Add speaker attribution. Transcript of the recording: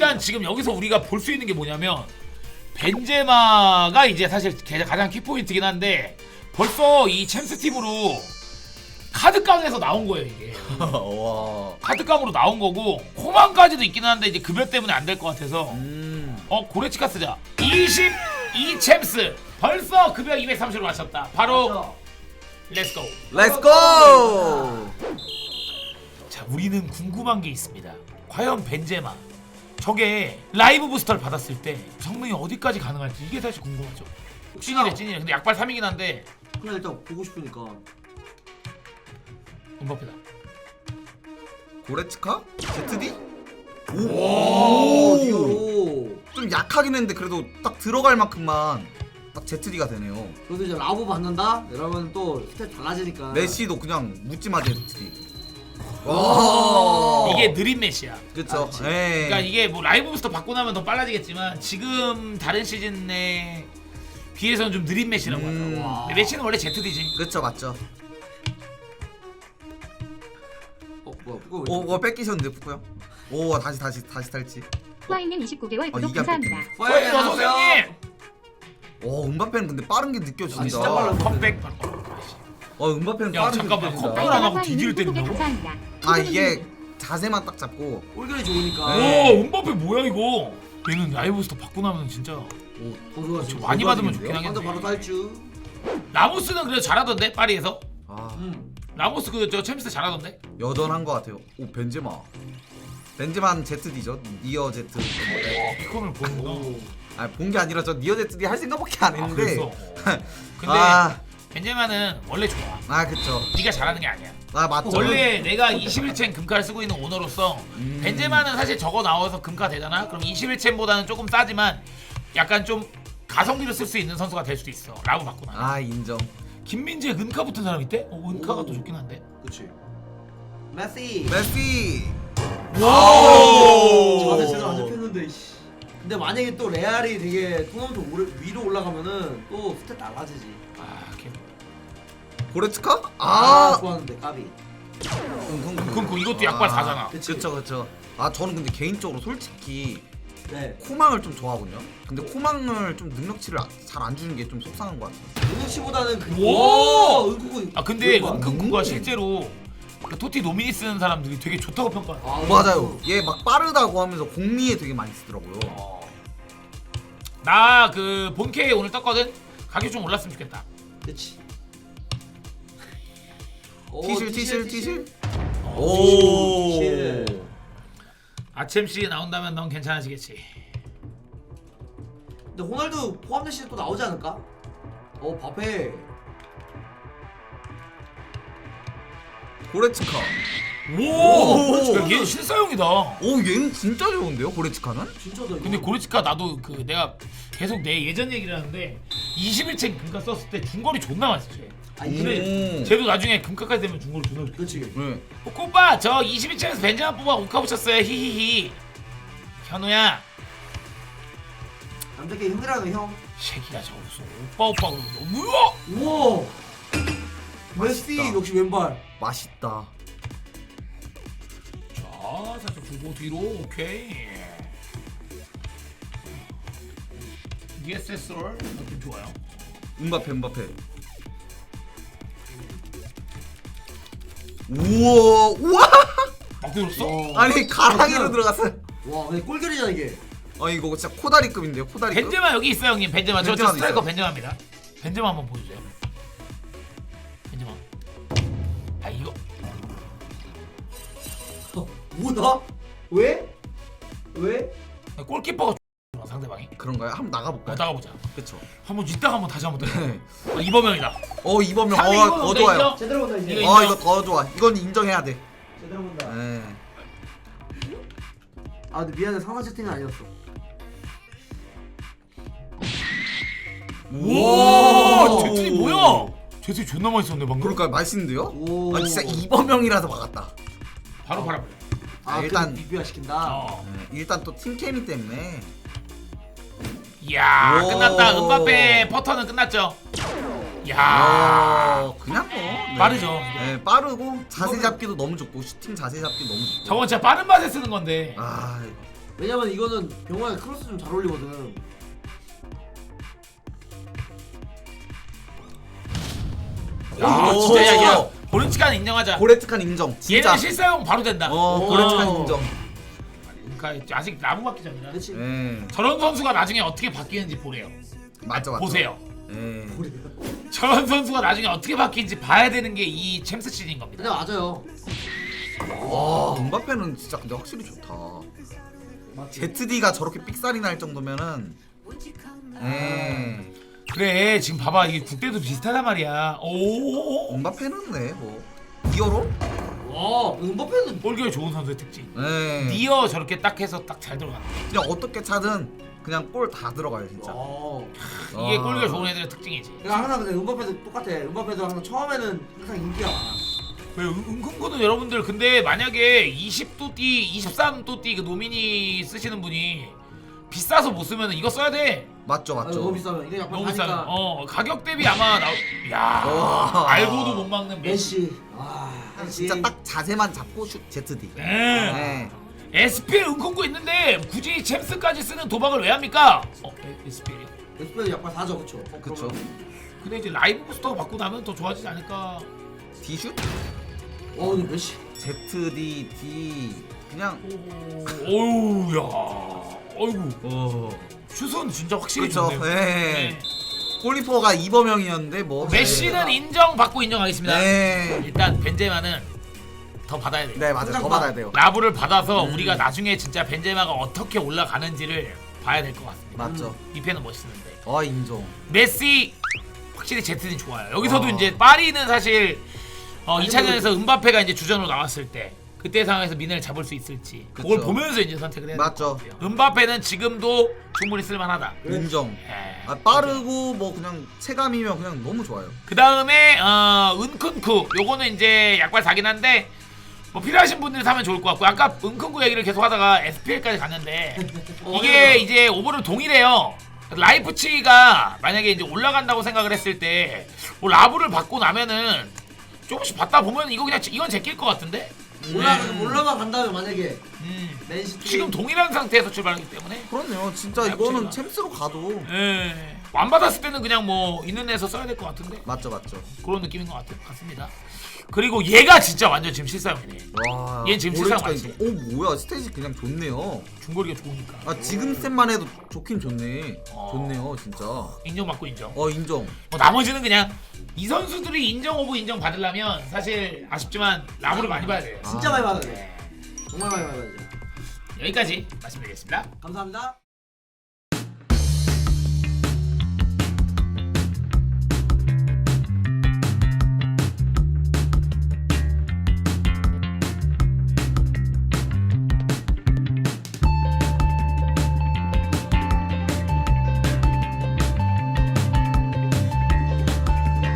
Speaker 1: 일단 지금 여기서 우리가 볼 수 있는 게 뭐냐면 벤제마가 이제 사실 가장 키포인트긴 한데 벌써 이 챔스 팀으로 카드깡에서 나온 거예요 이게.
Speaker 2: 와.
Speaker 1: 카드깡으로 나온 거고 코만까지도 있긴 한데 이제 급여 때문에 안 될 것 같아서 고레치카 쓰자. 22 챔스 벌써 급여 230으로 맞췄다. 바로 렛츠고.
Speaker 2: 렛츠고.
Speaker 1: 자, 우리는 궁금한 게 있습니다. 과연 벤제마 저게 라이브 부스터를 받았을 때 성능이 어디까지 가능할지 이게 사실 궁금하죠. 찐이래 찐이래. 근데 약발 3이긴 한데
Speaker 3: 그냥 일단 보고 싶으니까.
Speaker 1: 음바페다.
Speaker 2: 고레츠카? ZD?
Speaker 3: 오, 디오로.
Speaker 2: 좀 약하긴 했는데 그래도 딱 들어갈 만큼만 딱 ZD가 되네요.
Speaker 3: 그래도 이제 라브 받는다? 이러면 또 스탯 달라지니까.
Speaker 2: 메시도 그냥 묻지마 ZD.
Speaker 3: 와.
Speaker 1: 이게 느린 메시야.
Speaker 2: 그쵸.
Speaker 3: 그렇지.
Speaker 1: 그러니까 이게 뭐 라이브 부스터 받고 나면 더 빨라지겠지만 지금 다른 시즌에 비해서는 좀 느린 메시라고 하더라고.
Speaker 3: 와.
Speaker 1: 근데 메시는 원래 ZD지.
Speaker 2: 그쵸, 맞죠.
Speaker 3: 뭐야, 그거 왜?
Speaker 2: 오, 뺏기셨는데, 푸꾸요? 오, 다시 탈지.
Speaker 4: 후아이님 29개월 구독
Speaker 2: 이게 안
Speaker 4: 감사합니다.
Speaker 1: 어이 어서오세요.
Speaker 2: 오, 음바페는 근데 빠른 게 느껴진다.
Speaker 3: 아, 진짜 빨라.
Speaker 1: 컴백.
Speaker 2: 음바페는
Speaker 1: 야
Speaker 2: 빠른 게
Speaker 1: 잠깐만
Speaker 2: 느껴진다.
Speaker 1: 컴백을 안 하고
Speaker 4: 후아이님
Speaker 1: 디디를
Speaker 4: 20개
Speaker 1: 때린다고?
Speaker 4: 감사합니다.
Speaker 2: 아, 이게 자세만 딱 잡고.
Speaker 3: 꼴결이 좋으니까.
Speaker 2: 네.
Speaker 1: 오 음바페 뭐야 이거? 얘는 라이브 부스터 받고 나면 진짜
Speaker 3: 오, 더 좋아.
Speaker 1: 저 많이 받으면 좋긴
Speaker 3: 한대
Speaker 1: 하겠네.
Speaker 3: 바로 딸주.
Speaker 1: 라모스는 그래도 잘하던데 파리에서.
Speaker 2: 아,
Speaker 1: 라모스 저 챔스 잘하던데.
Speaker 2: 여전한 것 같아요. 오, 벤제마. 벤제마는 ZD죠. 니어 Z.
Speaker 1: 피콘을 보는구나.
Speaker 3: 오.
Speaker 2: 아, 본 게 아니라 저 니어 ZD 할 생각밖에 안
Speaker 1: 아
Speaker 2: 했는데.
Speaker 1: 그랬어. 근데
Speaker 2: 아,
Speaker 1: 벤제마는 원래 좋아.
Speaker 2: 그쵸.
Speaker 1: 네가 잘하는 게 아니야.
Speaker 2: 아, 맞죠.
Speaker 1: 원래 내가 21챔 금카를 쓰고 있는 오너로서 벤제마는 사실 저거 나와서 금카 되잖아. 그럼 21챔보다는 조금 싸지만 약간 좀 가성비로 쓸 수 있는 선수가 될 수도 있어. 라고 받고 나.
Speaker 2: 아, 인정.
Speaker 1: 김민재에 은카 붙은 사람 있대? 은카가
Speaker 3: 오.
Speaker 1: 더 좋긴 한데.
Speaker 3: 그치. 메시.
Speaker 2: 메시.
Speaker 1: 와우.
Speaker 3: 자세 제대로 안 잡혔는데 이씨. 근데 만약에 또 레알이 되게 토너먼트 위로 올라가면은 또 스탯 달라지지.
Speaker 1: 아, 걔.
Speaker 2: 고레츠카?
Speaker 3: 좋았는데 까비.
Speaker 1: 그럼 이것도 약발 4잖아.
Speaker 3: 그치.
Speaker 2: 그쵸. 아, 저는 근데 개인적으로 솔직히
Speaker 3: 네.
Speaker 2: 코망을 좀 좋아하거든요. 근데 코망을 좀 능력치를 잘 안 주는 게 좀 속상한 것 같아요.
Speaker 3: 능력치보다는 그.
Speaker 1: 오!
Speaker 3: 은쿠구.
Speaker 1: 아 근데
Speaker 3: 왼발.
Speaker 1: 은크쿠가 실제로 그 토티 노미니 쓰는 사람들이 되게 좋다고 평가해.
Speaker 2: 맞아요. 얘 막 빠르다고 하면서 공미에 되게 많이 쓰더라고요.
Speaker 1: 나 그 본캐 오늘 떴거든. 가격 좀 올랐으면 좋겠다.
Speaker 3: 그치.
Speaker 2: 티실.
Speaker 3: 오.
Speaker 1: 아챔씨 나온다면 넌 괜찮아지겠지.
Speaker 3: 근데 호날두 포함된 시즌 또 나오지 않을까? 바페.
Speaker 2: 고레츠카.
Speaker 1: 오, 야, 얘 실사용이다.
Speaker 2: 오, 얘는 진짜 좋은데요, 고레츠카는?
Speaker 3: 진짜다. 이거.
Speaker 1: 근데 고레츠카 나도 그 내가 계속 내 예전 얘기를 하는데 21챔 금카 썼을 때 중거리 존나 맛있지. 근데 쟤도 나중에 금카까지 되면 중거리 존나 좋게.
Speaker 3: 그렇지.
Speaker 2: 네.
Speaker 1: 오빠 저 22챔에서 벤자마 뽑아 오카 붙였어요. 히히히. 현우야.
Speaker 3: 남자끼 힘들어하는 형.
Speaker 1: 새끼가 저거 무슨 오빠 그러고 뭐야?
Speaker 3: 우와. 메시
Speaker 2: 맛있다.
Speaker 3: 역시 왼발.
Speaker 2: 맛있다.
Speaker 1: 자 살짝 주고 뒤로 오케이. ESSR 느낌 좋아요.
Speaker 2: 음바페. 우와.
Speaker 1: 막 들었어?
Speaker 2: 아니, 가랑이로 들어갔어요.
Speaker 3: 와, 근데 꼴결이잖아 이게.
Speaker 2: 이거 진짜 코다리급인데요, 코다리급.
Speaker 1: 벤제마 여기 있어요 형님. 벤제마 저
Speaker 2: 벤제마도
Speaker 1: 스트라이커
Speaker 2: 있어요.
Speaker 1: 벤제마입니다. 벤제마 한번 보여주세요. 벤제마. 아 이거
Speaker 3: 뭐다? 왜? 왜?
Speaker 1: 골키퍼가 좋아, 상대방이.
Speaker 2: 그런가요? 한번 나가볼까요?
Speaker 1: 나가보자.
Speaker 2: 그쵸.
Speaker 1: 한번 이따가 한번 다시 한번 더.
Speaker 2: 네.
Speaker 1: 이범영이다.
Speaker 2: 이범명.
Speaker 1: 상대 이범명
Speaker 2: 더
Speaker 1: 돼,
Speaker 2: 좋아요.
Speaker 1: 인정?
Speaker 3: 제대로 본다 이제.
Speaker 1: 이거
Speaker 2: 이거 더 좋아. 이건 인정해야 돼.
Speaker 3: 제대로 본다.
Speaker 2: 네.
Speaker 3: 아, 근데 미안해. 상하 채팅은 아니었어.
Speaker 1: 와, 제트리 뭐야? 제트리 존나 맛있었네 방금.
Speaker 2: 그러니까 맛있는데요?
Speaker 3: 오.
Speaker 2: 아, 진짜 이범명이라서 막았다.
Speaker 1: 바로 팔아버려.
Speaker 3: 일단
Speaker 2: 일단
Speaker 3: 리뷰화 시킨다.
Speaker 1: 어.
Speaker 2: 네, 일단 또 팀케미 때문에.
Speaker 1: 이야
Speaker 2: 오.
Speaker 1: 끝났다. 은바페 퍼터는 끝났죠. 야
Speaker 2: 그냥 뭐. 네.
Speaker 1: 빠르죠.
Speaker 2: 네, 빠르고 자세 잡기도 너무 좋고 슈팅 자세 잡기 너무 좋고.
Speaker 1: 저건 진짜 빠른 맛에 쓰는 건데.
Speaker 2: 아,
Speaker 3: 왜냐면 이거는 병원에 크로스 좀 잘 어울리거든.
Speaker 1: 야
Speaker 2: 오.
Speaker 1: 진짜 야 고르치카는 인정하자.
Speaker 2: 고레트칸 인정. 진짜.
Speaker 1: 얘는 실사용 바로 된다.
Speaker 2: 고레트칸 인정.
Speaker 1: 그러니까 아직 나무 받기 전이라.
Speaker 3: 그렇지.
Speaker 1: 저런 선수가 나중에 어떻게 바뀌는지 보래요.
Speaker 2: 맞죠 맞죠.
Speaker 1: 보세요.
Speaker 2: 예.
Speaker 1: 저런 선수가 나중에 어떻게 바뀌는지 봐야 되는 게 이 챔스 시즌인 겁니다.
Speaker 3: 근데 맞아요.
Speaker 2: 와 음바페는 진짜 근데 확실히 좋다. ZD가 저렇게 삑살이 날 정도면은.
Speaker 1: 그래 지금 봐봐 이게 국대도 비슷하단 말이야. 오.
Speaker 2: 음바페는 네 뭐. 니어로?
Speaker 3: 음바페는
Speaker 1: 볼기가 좋은 선수의 특징.
Speaker 2: 네.
Speaker 1: 니어 저렇게 딱 해서 딱 잘 들어간다.
Speaker 2: 그냥 어떻게 차든 그냥 골 다 들어가요 진짜.
Speaker 1: 이게 골기가 좋은 애들의 특징이지.
Speaker 3: 내가 항상 근데 음바페도 똑같아. 음바페도 항상 처음에는 항상 인기가 많아.
Speaker 1: 왜 은근거는 여러분들 근데 만약에 20도띠 23도띠 그 노미니 쓰시는 분이 비싸서 못 쓰면 이거 써야 돼.
Speaker 2: 맞죠
Speaker 3: 아,
Speaker 2: 맞죠.
Speaker 3: 너무 비싸면 이게 약간
Speaker 1: 너무 비싸.
Speaker 3: 사니까
Speaker 1: 가격 대비 아마 야
Speaker 2: 와.
Speaker 1: 알고도 못 막는 메시.
Speaker 3: 메시.
Speaker 2: 진짜 딱 자세만 잡고 슛 ZD.
Speaker 1: 네.
Speaker 2: 네.
Speaker 1: SPL 은근거 있는데 굳이 챔스까지 쓰는 도박을 왜 합니까? SPL이요.
Speaker 3: 에스페도 약간 사죠, 그쵸?
Speaker 2: 그쵸.
Speaker 1: 근데 이제 라이브 부스터가 받고 나면 더 좋아지지 않을까?
Speaker 2: D슛?
Speaker 3: 근데 메시.
Speaker 2: ZD D 그냥.
Speaker 1: 오우야. 어이구. 슛은 진짜 확실히
Speaker 2: 그쵸.
Speaker 1: 좋네요.
Speaker 2: 네. 골리퍼가 이범영이었는데 뭐.
Speaker 1: 메시는 인정받고 인정하겠습니다.
Speaker 2: 네.
Speaker 1: 일단 벤제마는 더 받아야 돼요.
Speaker 2: 네 맞아요. 더 받아야 돼요.
Speaker 1: 라브를 받아서 우리가 나중에 진짜 벤제마가 어떻게 올라가는지를 봐야 될 것 같습니다.
Speaker 2: 맞죠.
Speaker 1: 이 팬은 멋있는데.
Speaker 2: 인정.
Speaker 1: 메시 확실히 제트는 좋아요. 여기서도
Speaker 2: 와.
Speaker 1: 이제 파리는 사실 2차전에서 음바페가 이제 주전으로 나왔을 때 그때 상황에서 미네를 잡을 수 있을지 그걸
Speaker 2: 그쵸.
Speaker 1: 보면서 이제 선택을 해야
Speaker 2: 맞죠.
Speaker 1: 될것 같아요. 음바페는 지금도 충분히 쓸만하다.
Speaker 2: 인정.
Speaker 1: 예.
Speaker 2: 빠르고 뭐 그냥 체감이면 그냥 너무 좋아요.
Speaker 1: 그 다음에 은큰쿠 요거는 이제 약발 사긴 한데 뭐 필요하신 분들이 사면 좋을 것 같고 아까 은큰쿠 얘기를 계속 하다가 SPL까지 갔는데 이게 이제 오버를 동일해요. 라이프치히가 만약에 이제 올라간다고 생각을 했을 때 뭐 라브를 받고 나면은 조금씩 받다 보면 이거 그냥 이건 제낄 것 같은데.
Speaker 3: 올라만 간다면 만약에 맨시티
Speaker 1: 지금 동일한 상태에서 출발하기 때문에.
Speaker 2: 그렇네요. 진짜
Speaker 1: 라이프치히가.
Speaker 2: 이거는 챔스로 가도.
Speaker 1: 예. 안 받았을 때는 그냥 뭐 있는 애에서 써야 될 것 같은데
Speaker 2: 맞죠 맞죠.
Speaker 1: 그런 느낌인 것 같습니다. 그리고 얘가 진짜 완전 지금 실사용이네.
Speaker 2: 와.
Speaker 1: 얘는 지금
Speaker 2: 고레츠카
Speaker 1: 실상
Speaker 2: 인정. 뭐야 스테이지 그냥 좋네요.
Speaker 1: 중거리가 좋으니까.
Speaker 2: 지금 셋만 해도 좋긴 좋네. 좋네요 진짜.
Speaker 1: 인정받고 인정.
Speaker 2: 인정.
Speaker 1: 뭐 나머지는 그냥 이 선수들이 인정 오브 인정 받으려면 사실 아쉽지만 라브를 많이 봐야 돼요.
Speaker 3: 진짜 많이 받아야 돼. 정말 많이 받아야 돼.
Speaker 1: 여기까지 말씀드리겠습니다.
Speaker 3: 감사합니다.